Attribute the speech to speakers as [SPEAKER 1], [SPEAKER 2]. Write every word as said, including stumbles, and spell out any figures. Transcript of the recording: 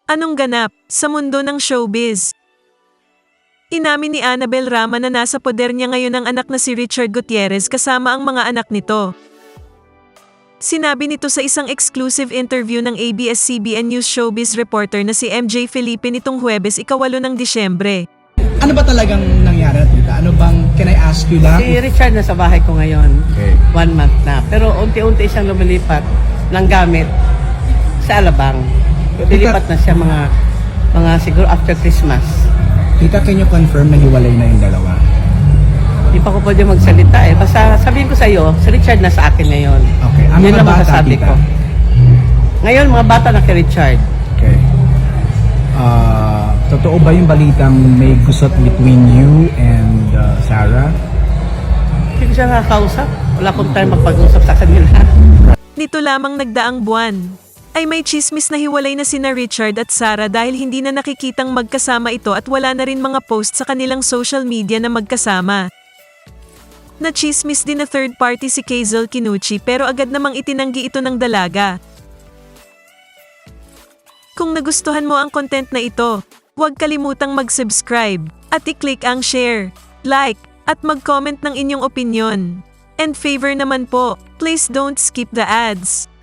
[SPEAKER 1] Anong ganap sa mundo ng showbiz? Inamin ni Annabel Rama na nasa poder niya ngayon ang anak na si Richard Gutierrez kasama ang mga anak nito. Sinabi nito sa isang exclusive interview ng A B S C B N News showbiz reporter na si M J Felipe nitong Huwebes ikawalo ng Disyembre.
[SPEAKER 2] Ano ba talagang nangyari, tita? Ano bang, can I ask you lang?
[SPEAKER 3] Si Richard nasa bahay ko ngayon.
[SPEAKER 2] Okay.
[SPEAKER 3] One month na. Pero unti-unti siyang lumilipat ng gamit sa Alabang. Lilipat na siya mga, mga siguro after Christmas.
[SPEAKER 2] Tita, can you confirm na hiwalay na yung dalawa?
[SPEAKER 3] Hindi pa ko pwede magsalita eh. Basta sabihin ko sa iyo, si Richard nasa akin ngayon.
[SPEAKER 2] Okay. Ang
[SPEAKER 3] Yun
[SPEAKER 2] mga
[SPEAKER 3] lang
[SPEAKER 2] bata,
[SPEAKER 3] masasabi
[SPEAKER 2] tita?
[SPEAKER 3] ko. Ngayon, mga bata na kay Richard.
[SPEAKER 2] Okay. Ah, totoo ba yung balitang may gusot between you and uh, Sarah?
[SPEAKER 3] Hindi ko siya nakakausap. Wala akong time magpag-usap sa kanila.
[SPEAKER 1] Nito lamang nagdaang buwan ay may chismis na hiwalay na sina Richard at Sarah dahil hindi na nakikitang magkasama ito at wala na rin mga post sa kanilang social media na magkasama. Na-chismis din na third party si Kazel Kinuchi pero agad namang itinanggi ito ng dalaga. Kung nagustuhan mo ang content na ito, huwag kalimutang mag-subscribe at i-click ang share, like, at mag-comment ng inyong opinyon. And favor naman po, please don't skip the ads.